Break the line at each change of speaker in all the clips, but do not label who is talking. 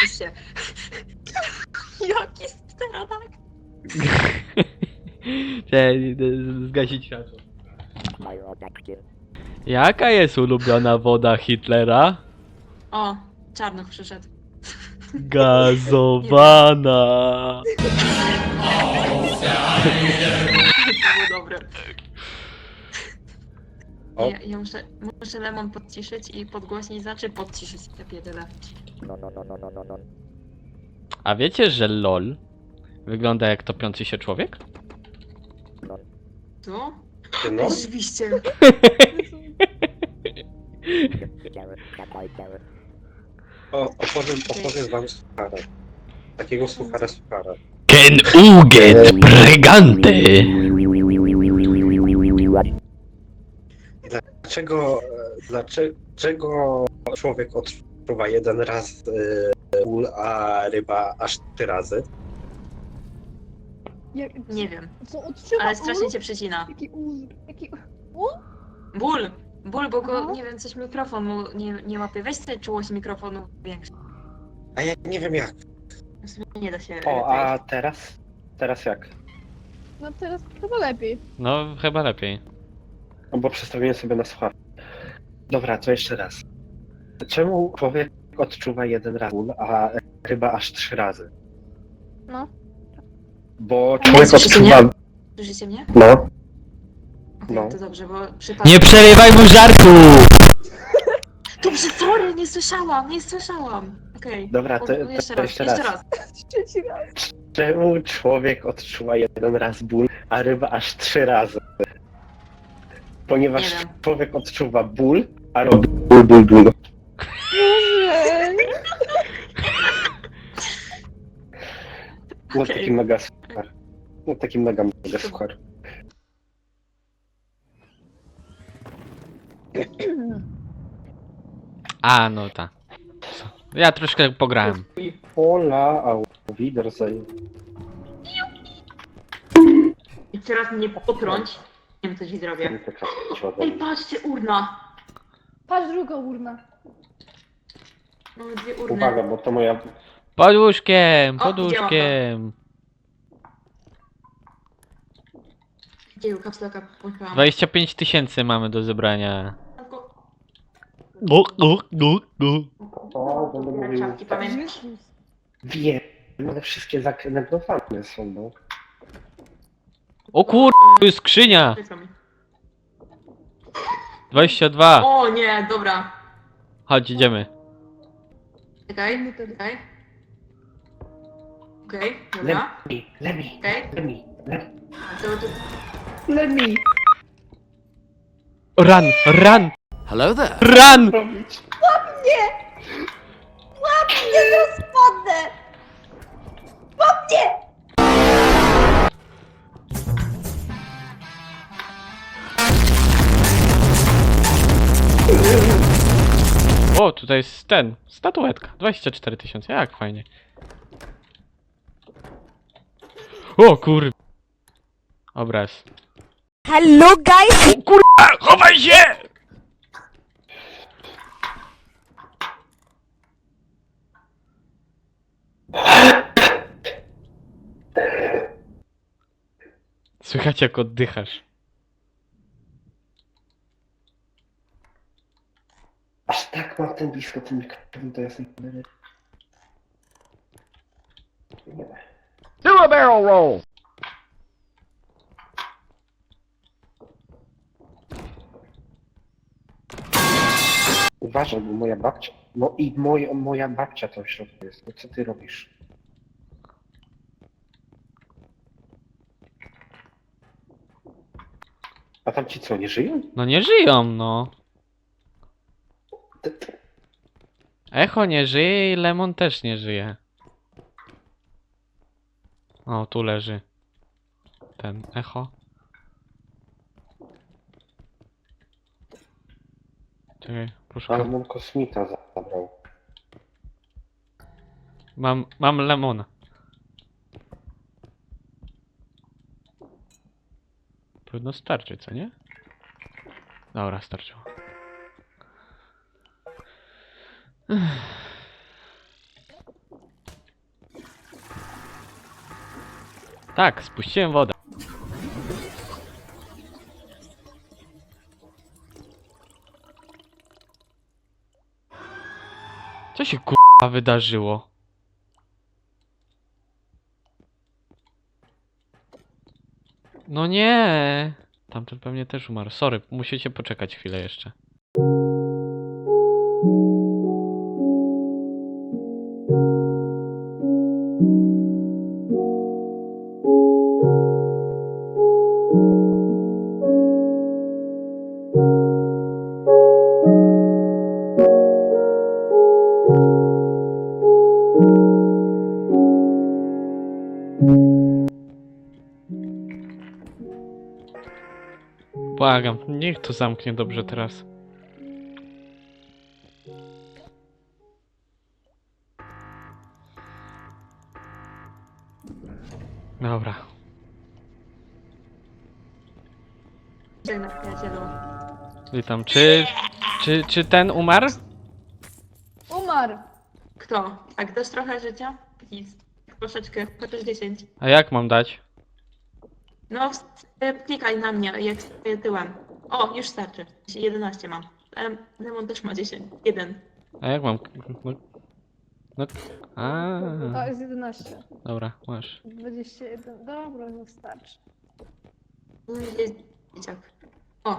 Oczywiście. Jaki stereotyp?
Cześć, zgasić światło. Jaka jest ulubiona woda Hitlera?
O, Czarnoch przyszedł.
Gazowana.
To było dobre.
O.
Ja muszę Lemon podciszyć i podgłośnić, znaczy podciszyć te tyle.
A wiecie, że LOL wygląda jak topiący się człowiek?
Co?
No,
Rzeczywiście.
opowiem wam suchara. Takiego suchara.
Ken Ugen Pregante.
Dlaczego człowiek odczuwa jeden raz ból, a ryba aż 3 razy?
Nie wiem,
Co odczuwa
ale strasznie
ul?
cię przycina.
Jaki ul? Jaki
Ból! Ból, bo go,
Aha.
nie wiem, coś mikrofon mu nie łapie. Weź sobie czułość mikrofonu większą.
A ja nie wiem jak.
W sumie nie da się...
O, a teraz? Teraz jak?
No teraz chyba lepiej.
No, chyba lepiej.
No bo przestawiłem sobie na słuchawkę. Dobra, to jeszcze raz. Czemu człowiek odczuwa jeden raz ból, a ryba aż 3 razy?
No.
Bo
Nie
człowiek
słyszycie
odczuwa...
Słyszycie mnie?
No,
Okej,
No.
to dobrze, bo przypadek...
Nie przerywaj mu żartu!
Dobrze, sorry, nie słyszałam. Okej.
dobra, to
Jeszcze
jeszcze
raz,
raz.
Trzeci raz.
Czemu człowiek odczuwa jeden raz ból, a ryba aż 3 razy? Ponieważ
Nie wiem.
człowiek odczuwa ból, a robi ból.
Boże.
No
Okej.
taki mega suchar. No taki mega suchar.
A, no tak. Ja troszkę pograłem.
Hola, auf Wiedersehen.
I teraz mnie potrąć. Nie wiem, co ci zrobię. Ej, patrzcie, urna.
Patrz, druga urna.
Mamy 2 urny.
Uwaga, bo to moja...
Pod łóżkiem,
O,
pod
widziałam to.
łóżkiem.
Gdzie kapslaka płynęłam?
25 000 mamy do zebrania.
O, będę mówił...
Czapki, pamiętaj.
Jezus.
Wiem, one wszystkie zakrętowane są, no.
O kur... tu jest skrzynia! 22.
O nie, dobra.
Chodź, idziemy.
Czekaj. Okej, dobra.
Lemi.
Okej. To...
Lemi.
Run, run,
Hello there.
run!
Robić.
Nie rozpadnę!
O, tutaj jest ten, statuetka. 24 000, jak fajnie. O kur... Obraz.
Hello guys!
O kurwa, chowaj się! Słychać jak oddychasz.
Aż tak mam ten blisko ten mikrofon, to jest... Nie.
Do a barrel roll.
Uważaj, bo moja babcia... No i moja babcia to w środku jest. No co ty robisz? A tam ci co, nie żyją?
No nie żyją, no.
Ty-
Echo nie żyje i Lemon też nie żyje. O, tu leży. Ten echo. Czekaj, poszukam.
Ale on kosmita zabrał.
Mam lemona. Powinno starczyć, co nie? Dobra, starczyło. Tak, spuściłem wodę. Co się kurwa wydarzyło? No nie! Tamten pewnie też umarł. Sorry, musicie poczekać chwilę jeszcze. Błagam, niech to zamknie dobrze teraz. Dobra.
Dzień na przyjacielu.
Witam. Czy ten umarł?
Umarł.
Kto? Tak, dasz trochę życia? Please. Troszeczkę, chociaż 10.
A jak mam dać?
No, klikaj na mnie, jak stoję tyłem. O, już starczy. 11 mam. Lemon też ma 10. 1.
A jak mam? No. A,
To jest 11.
dobra, masz.
21. Dobra, no starczy.
Jest dzieciak. O.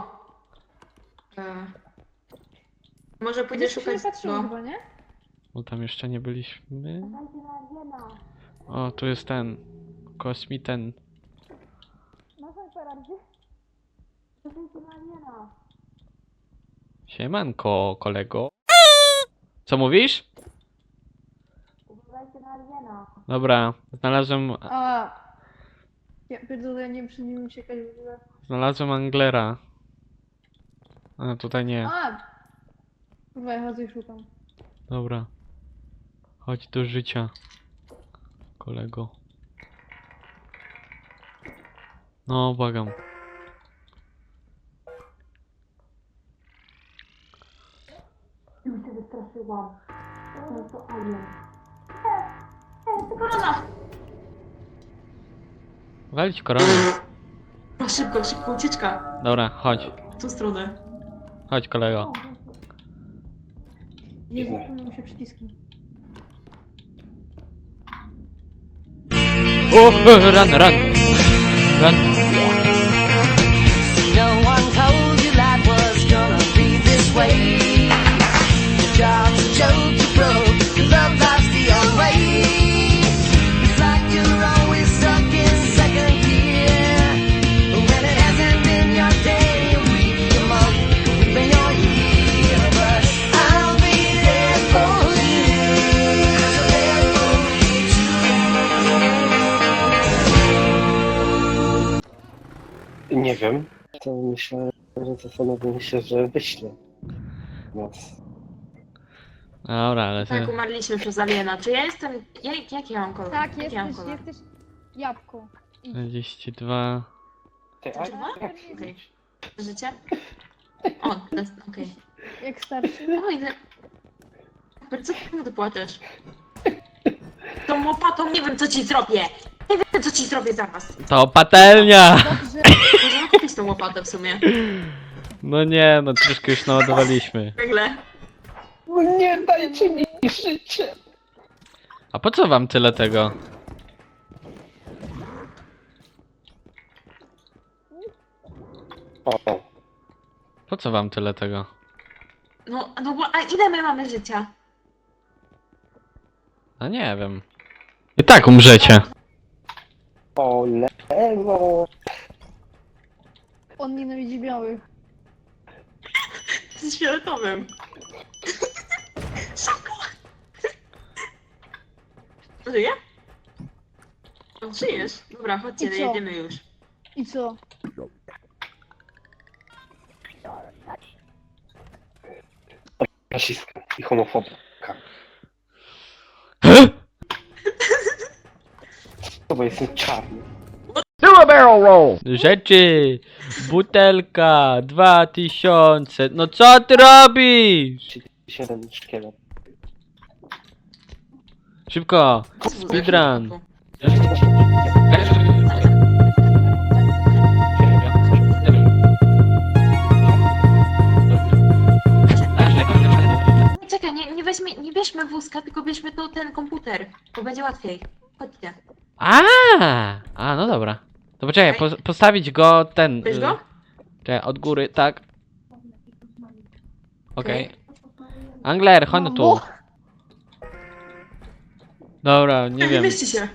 Może pójdę
Gdzieś się
szukać
patrzyło
go.
chyba, nie?
Bo tam jeszcze nie byliśmy. O, tu jest ten. Kosmiten. Siemanko, kolego. Co mówisz? Dobra, znalazłem.
A. Ja pierdolę, ja nie wiem, czy nie uciekać w ogóle.
Znalazłem Anglera. A, tutaj nie.
A! Kurwa, ja chodzę i szukam.
Dobra. Chodź do życia. Kolego. No, błagam.
Korona!
Walić koronę.
No szybko, szybko, ucieczka.
Dobra, chodź.
W tą stronę.
Chodź, kolego.
Nie zapomniał się przyciski.
O, run, run. Run.
No one told you life was gonna be this way. Your job's a joke you broke, your love life's the old way. It's like you're always stuck in second gear. When it hasn't been your day, your week, your month, even your year. But I'll be there for you. 'Cause I'm there for you too.
Nie wiem. To myślę, że zastanowimy się, że wyślę nas.
Dobra, ale
Tak,
ty...
umarliśmy przez aliena. Czy ja jestem... Jak ja mam kolor?
Tak,
Jak ja mam
jesteś,
kolor?
jesteś jabłko.
42...
Ty,
To dwa?
jak
Okej. Życie? O, okej.
Jak starszy.
O, ile... Co ty płaczesz? Tą łopatą nie wiem, co ci zrobię! Nie wiem, co ci zrobię zaraz.
To patelnia!
Dobrze.
Możemy kupić tą łopatę w sumie.
No nie, no troszkę już naładowaliśmy.
Nagle.
No nie dajcie mi życie!
A po co wam tyle tego?
O,
Po co wam tyle tego?
No bo, a ile my mamy życia?
A nie wiem. I tak umrzecie.
o lewo!
On nienawidzi białych.
Z fioletowym. Szybko! Żyje? No, żyjesz. Dobra, chodźcie,
I co?
jedziemy już.
I co?
Rasistka i homofobka. To bo jestem czarny.
Do a barrel roll!
Rzeczy! Butelka! 2000! No co ty robisz?
7 szkielet.
Szybko!
Co to za
Speedrun!
szybko? bierzmy wózka, tylko bierzmy to ten komputer, bo będzie łatwiej. Chodźcie.
A, no dobra. To poczekaj, postawić go ten.
Bierz go?
Czekaj, od góry, tak. Okej. Angler, chodź no tu. Dobra, nie
Nie
wiem.
mieści się.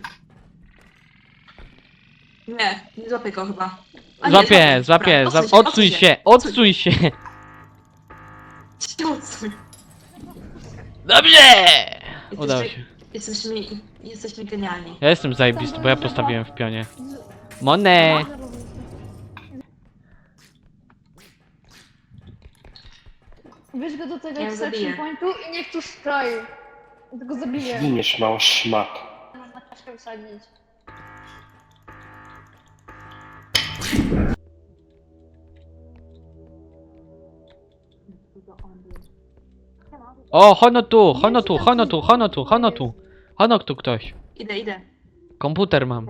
Nie złapię go chyba. A nie,
Złapię,
dobra,
złapię, odsuń się, odsuń się.
Odsuń.
Dobrze! Udało się.
Jesteśmy genialni.
Ja jestem zajebisty, bo ja postawiłem w pionie. Monę!
Weź go do tego
Ja
extraction
zabiję.
pointu i niech tu stoi. Ja go zabiję.
Giniesz, mała szmat.
Można kaczkę wsadzić.
O, hono tu, hono tu, hono tu, hono tu, hono tu. Hono tu ktoś.
Idę.
Komputer mam.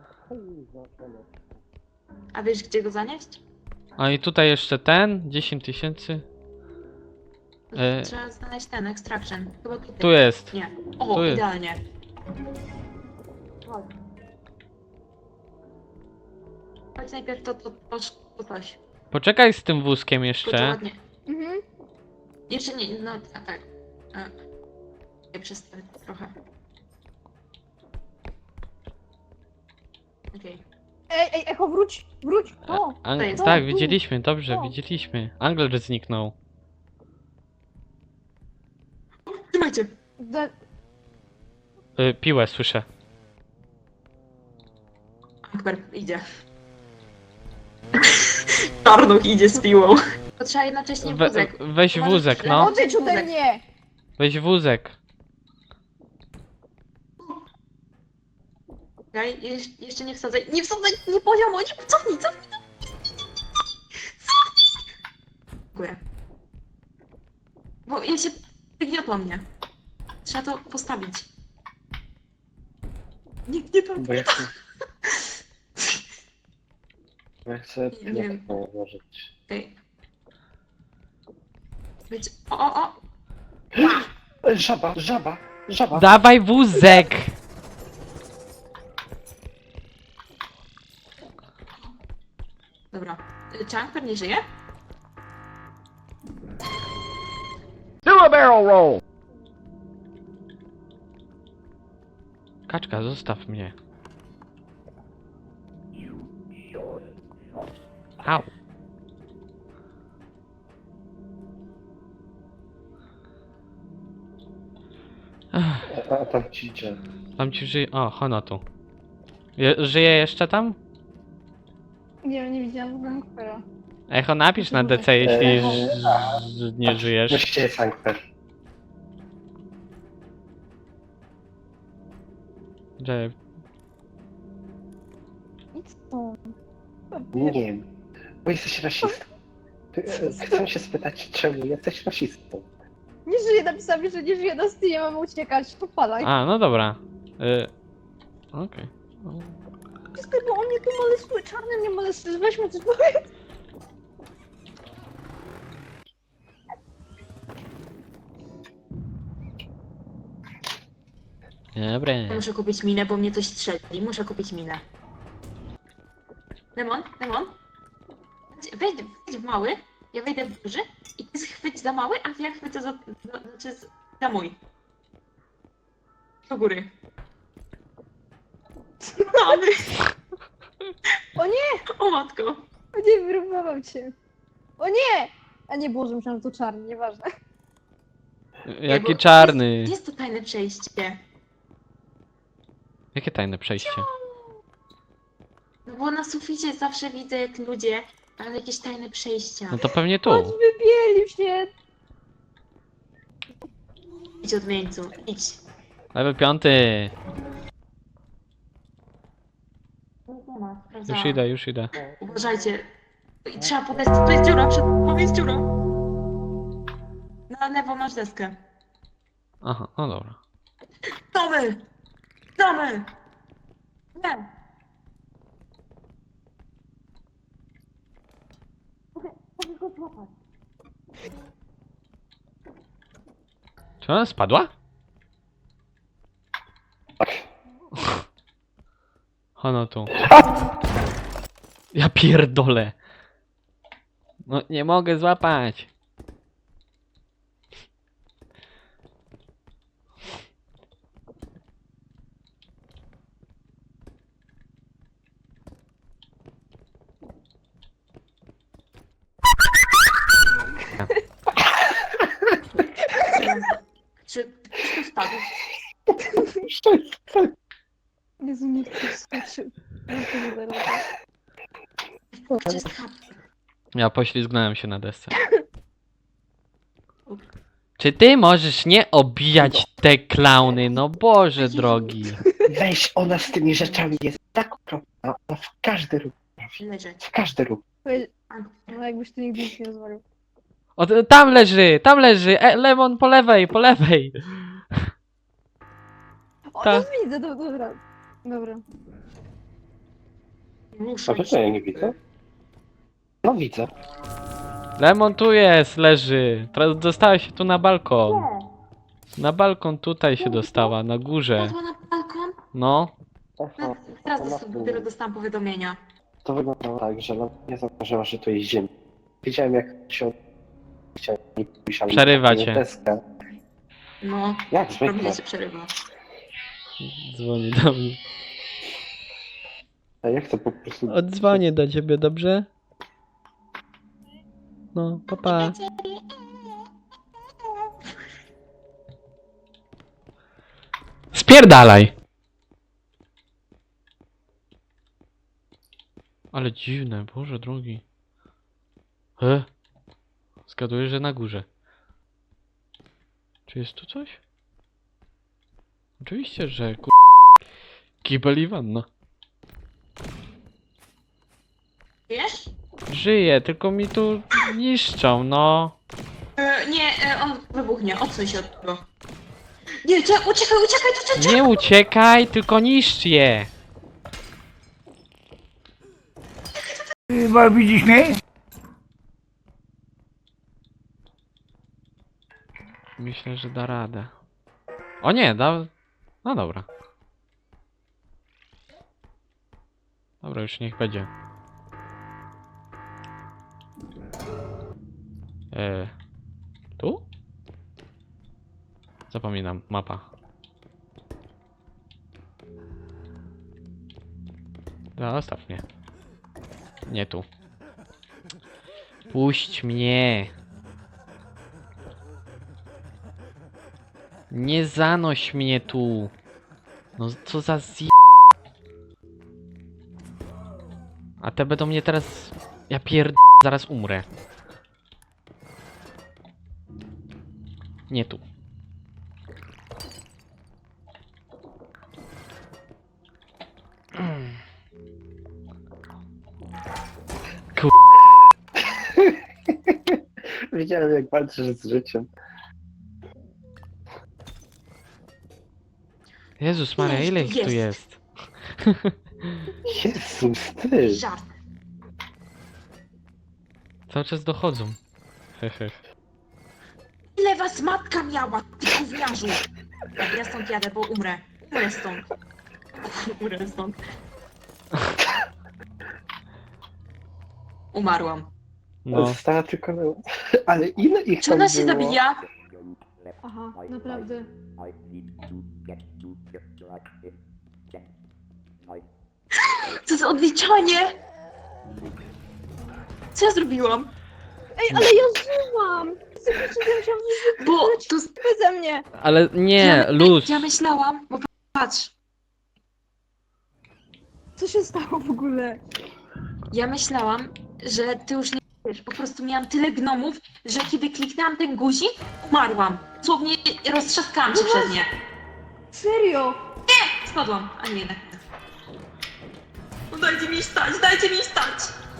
A wiesz gdzie go zanieść?
A i tutaj jeszcze ten, 10 000.
Trzeba znaleźć ten extraction. Chyba tutaj.
Tu jest.
Nie. O,
Tu jest.
idealnie. Chodź najpierw to coś.
Poczekaj z tym wózkiem
Kurczę,
jeszcze.
ładnie.
Mhm.
Jeszcze nie, no tak. Ja przestawię trochę. Okej.
Ej, Echo, wróć! Wróć! O!
To jest.
Tak,
tu.
widzieliśmy, dobrze,
O.
widzieliśmy. Angler zniknął.
Trzymajcie.
Da...
Piłę słyszę.
Akbar idzie. Czarnuch idzie z piłą. To trzeba jednocześnie wózek.
Weź
Możesz
wózek,
źle-
no.
Odejdź ode mnie!
Weź wózek.
Okej, jeszcze nie wsadzaj. Nie wsadzaj, nie poziomo, nie cofnij. Dziękuję. Bo ja się wygniotło mnie. Trzeba to postawić. Nikt nie tam.
Bo ja chcę... Bo ja chcę
Nie wiem.
pieniądze ułożyć.
Okej. Być. O!
Żaba, żaba, żaba.
Dawaj wózek!
Dobra. Chunk pewnie żyje?
Do a barrel roll.
Kaczka, zostaw mnie. Au. Ech,
A tam ci idzie.
tam ci żyje. O, Hono tu. Żyje jeszcze tam?
Nie widziałam Vampira.
Echo, napisz na DC, jeśli nie
No
żyjesz.
gdzie jest Angler?
Że...
Idź stąd.
Nie wiem. Bo jesteś rasistą. Chcę się spytać, czemu jesteś rasistą?
Nie żyje, napisali, że nie żyje na Steamie, mamy uciekać. Popadaj.
A, no dobra. Okej.
Wszystko, bo on mnie tu molestuje, czarny mnie molestuje, weźmy coś powiedz.
Dobra.
Ja muszę kupić minę, bo mnie coś strzeli. Muszę kupić minę. Lemon? Wejdź w mały, ja wejdę w duży i ty chwyć za mały, a ja chwycę za mój. Do góry. Mamy!
O nie!
O matko!
O nie, wyrównował cię. O nie! A nie, Boże, myślałam, że to czarny, nieważne.
Jaki czarny.
Jest to tajne przejście.
Jakie tajne przejście?
No bo na suficie zawsze widzę jak ludzie, ale jakieś tajne przejścia.
No to pewnie
Chodź,
tu.
wybielił się.
Idź odmieńcu, idź.
Level 5.
Nie ma,
Już
sprawdzałam.
idę, już idę.
Uważajcie. I trzeba podejść. Tu jest dziura, tu jest dziura. Na lewo masz deskę.
Aha, no dobra.
Domy! Domy! Nie! Mogę go złapać.
Czy ona spadła? Ono tu. Ja pierdolę. No nie mogę złapać.
Czy ktoś tu spadł?
Jezu, nie chcę skoczyć. No to nie da rady.
Czy spadł?
Ja poślizgnąłem się na desce. Czy ty możesz nie obijać te klauny? No Boże drogi.
Weź, ona z tymi rzeczami jest tak okropna. Ona w każdy ruch.
Leżeć.
W każdy ruch.
No jakbyś tu nigdy nic nie rozwalił.
O, tam leży, tam leży. Lemon po lewej, po lewej.
O,
Ta.
to widzę, dobra. Dobra.
Muszę
A
iść.
to ja nie widzę. No widzę.
Lemon tu jest, leży. Teraz dostała się tu na balkon. Na balkon tutaj się dostała, na górze.
Padła na balkon?
No.
No, teraz dopiero dostałam powiadomienia.
To wyglądało tak, że no, nie zauważyła, że tu jest ziemia. Widziałem jak się... Chciałem pójść, ale
Przerywa
nie
cię.
deskę.
No,
Jak zwykle.
robię się przerywa.
Dzwoni do mnie.
A ja chcę po prostu...
Odzwonię do ciebie, dobrze? No, papa. Spierdalaj! Ale dziwne, Boże drogi. Zgaduję, że na górze. Czy jest tu coś? Oczywiście, że kibel i wanna.
Wiesz?
Żyje, tylko mi tu niszczą, no.
Nie, on wybuchnie. Odsuń się od tego. Nie, uciekaj, uciekaj.
Nie uciekaj, tylko niszcz je.
Chyba widzisz mnie?
Myślę, że da radę. O nie, da... No dobra. Dobra, już niech będzie. Tu? Zapominam, mapa. Zostaw mnie. Nie tu. Puść mnie. Nie zanoś mnie tu. No co za A te będą mnie teraz... Ja zaraz umrę. Nie tu.
Widziałem jak walczysz z życiem.
Jezus Maria, ile ich tu jest?
Jezus, ty!
Żart.
Cały czas dochodzą. Hehe.
Ile was matka miała, ty gówniarzu? Tak, ja stąd jadę, bo umrę. Umrę stąd. Umrę stąd. Umarłam.
No.
Została tylko... Ale ile ich
Czy
tam
ona się
było?
zabija?
Aha, naprawdę.
Co za odliczanie? Co ja zrobiłam?
Ej, ale ja żyłam! Musiałam żyć
Bo to...
beze mnie!
Ale nie, luz.
Ja myślałam, bo patrz.
Co się stało w ogóle?
Ja myślałam, że ty już nie wiesz, po prostu miałam tyle gnomów, że kiedy kliknęłam ten guzik, umarłam. Słownie roztrzaskałam się przez nie.
Serio?
Spadłam, a nie jednak. No dajcie mi stać, dajcie mi stać!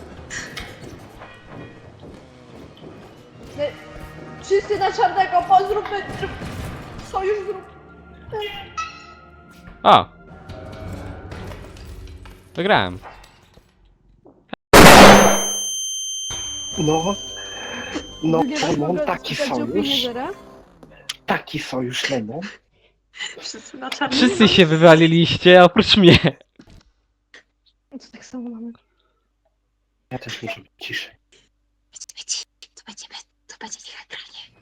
Wszyscy na czarnego, zróbmy... Sojusz zrób...
O! Wygrałem.
No. No,
Drugie raz
Lemon,
mogę
taki
spotkać opinię
sojusz.
zera?
Taki sojusz, Lemon.
Wszyscy na czarno.
Wszyscy się wywaliliście, oprócz mnie.
To tak samo mamy.
Ja też muszę być ciszej.
To będzie teatralnie.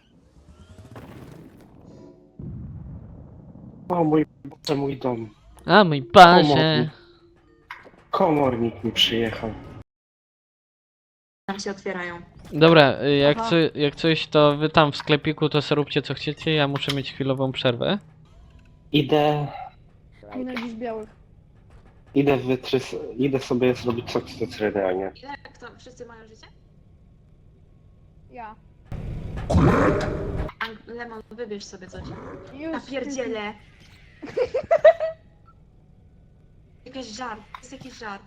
O mój Boże, mój dom.
A mój Boże.
Komornik mi przyjechał.
Tam się otwierają.
Dobra,
Aha.
jak coś, to wy tam w sklepiku to sobie róbcie co chcecie, ja muszę mieć chwilową przerwę.
Nienawidzisz białych.
Idę sobie zrobić sok z cytryny.
Ile kto? Wszyscy mają życie?
Ja.
Lemon, wybierz sobie coś.
Już.
Ja pierdzielę. Jakiś żart. Jest jakiś żart.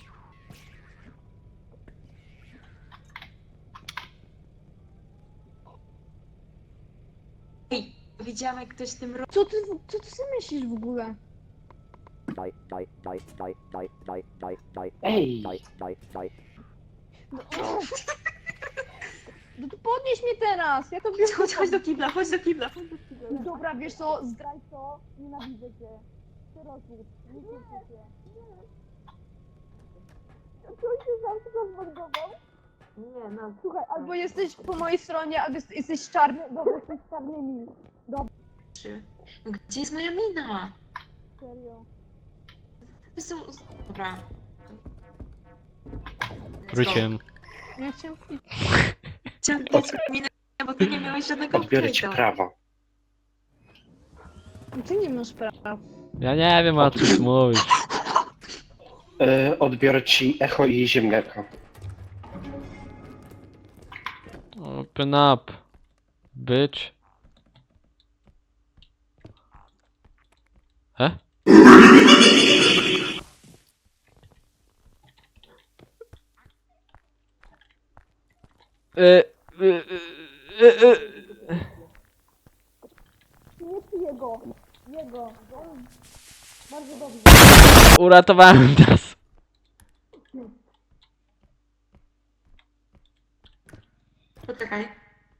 Ej, widziałam jak ktoś tym
Co ty sobie myślisz w ogóle?
Ej!
No, no to podnieś mnie teraz! Ja to wiem.
Chodź do kibla, chodź do kibla.
Dobra, wiesz co? Zdraj to. Nienawidzę cię. Ty rozwód. Nie cieszę się. Czy on się zawsze zmordował?
Nie, no.
Słuchaj, albo jesteś po mojej stronie, albo jesteś czarny. Dobra, jesteś czarnymi.
Trzy. No gdzie jest moja mina?
Serio.
Dobra.
Wróciłem.
Ja chciałam...
Chciałam dać minę, bo ty nie miałeś żadnego
Odbiorę ci
update'a.
prawa.
Ty nie masz prawa.
Ja nie wiem o czym mówisz.
Odbiorę ci echo i ziemniaka.
Open up. Bitch. He?
Nie przy jego. Jego. On bardzo dobrze.
Uratowałem nas.
Poczekaj.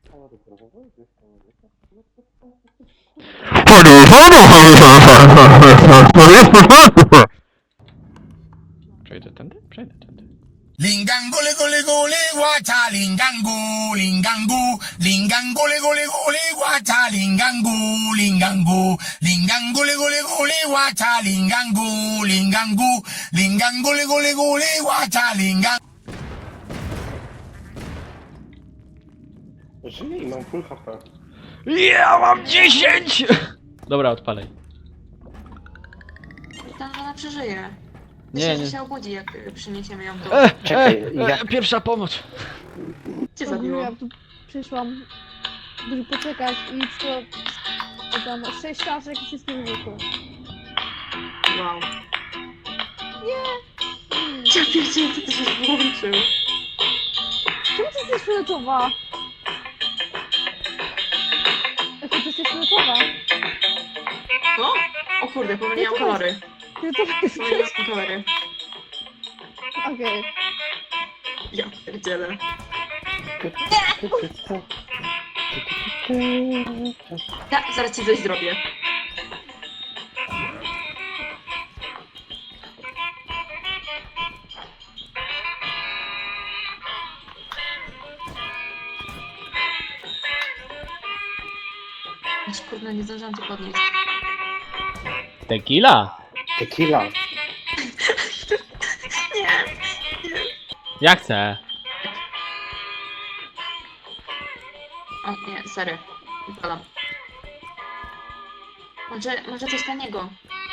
Przejdę tędy? Przejdę tędy.
Lingango le gole gole guacha lingango lingango lingango le gole gole guacha lingango lingango lingango le gole gole guacha lingango lingango lingango le gole gole guacha lingango.
Żyję i mam full HP.
Ja mam 10! Dobra, odpalaj.
Tam ona przeżyje.
Nie,
Myślę,
nie.
że się obudzi, jak przyniesiemy ją tu.
Czekaj, ja-
Pierwsza pomoc.
Cię zabiło.
Ja tu przyszłam, żeby poczekać i to tam 6 czaszek i wszystko wybuchło.
Wow. Nie! Ja pierdzielę, co ty się włączył.
Czemu ty jesteś fioletowa? Jaka ty jesteś fioletowa?
O! O kurde, pomyliłam kolory.
Fioletowa jesteś?
Pomyliłam kolory.
Okej.
Ja pierdzielę. Ja zaraz ci coś zrobię. Aż kurde, nie zdążyłam cię podnieść.
Tequila?
Tequila.
Nie!
Ja chcę.
O nie, sorry. Wypalam. Może coś taniego.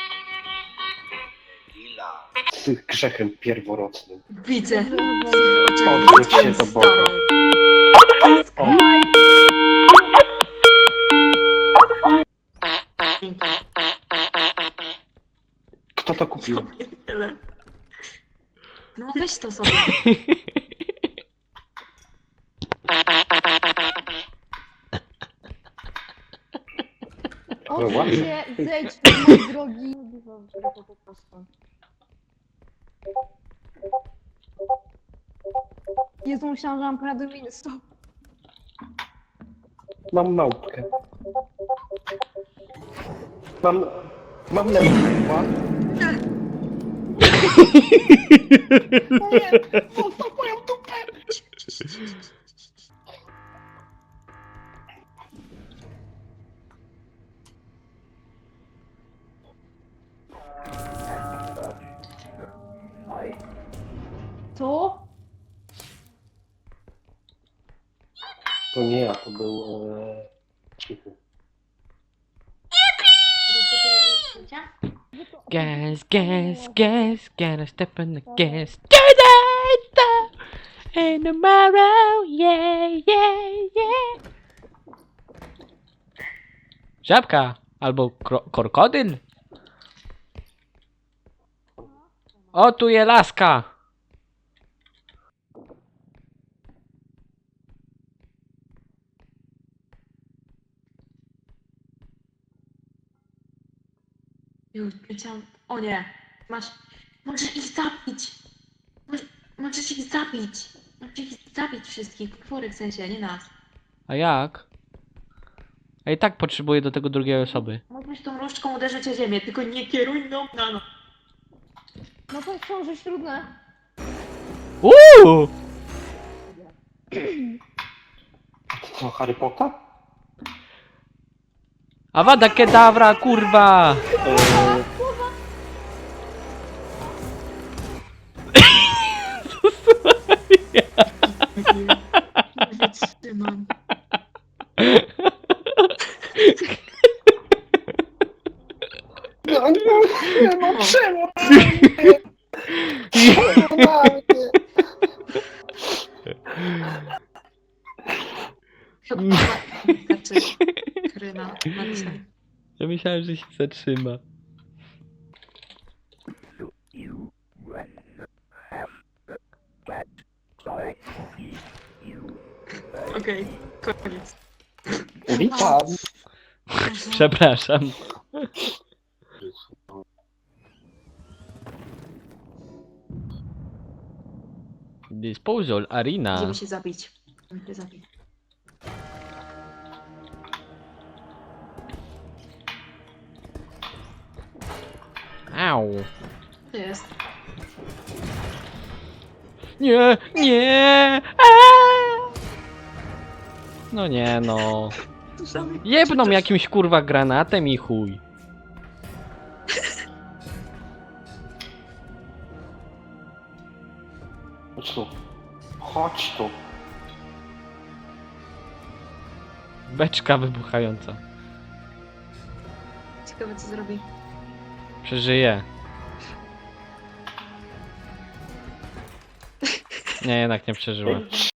Z grzechem pierworodnym.
Widzę.
Odwróć się do boku. O, kto to kupił?
No weź to sobie.
Odsuń się, zejdź z mojej drogi. Po prostu. Jezu, myślałam, że mam prawo do winy. Stop.
Mam małpkę. Mam lemon.
Co?
To nie ja, to był... Cichy.
Gas, gotta step on the gas. Today, and tomorrow, yeah. Żabka albo krokodyl. O, tu je laska.
Już leciałam. O nie. Możesz ich zabić. Możesz ich zabić. Możesz ich zabić wszystkich. Potwory w sensie, nie nas.
A jak? A i tak potrzebuję do tego drugiej osoby.
Możesz tą różdżką uderzyć o ziemię, tylko nie kieruj no na no.
No to są rzecz trudne.
Uuu!
Co, Harry Potter?
Awada kedawra, kurwa!
Nie wytrzymam.
No czemu? Czemu na mnie?
Chyba znaczy kryna na dzisiaj.
Ja myślałem, że się zatrzyma.
Okej, koniec.
Witam.
Przepraszam. Disposal Arena.
Idziemy się zabić. Idziemy się zabić.
Au.
To jest.
Nie! Aaa! No nie no. Jebną jakimś kurwa granatem i chuj.
Chodź tu. Chodź tu.
Beczka wybuchająca.
Ciekawe co zrobi.
Przeżyje. Nie, jednak nie przeżyła.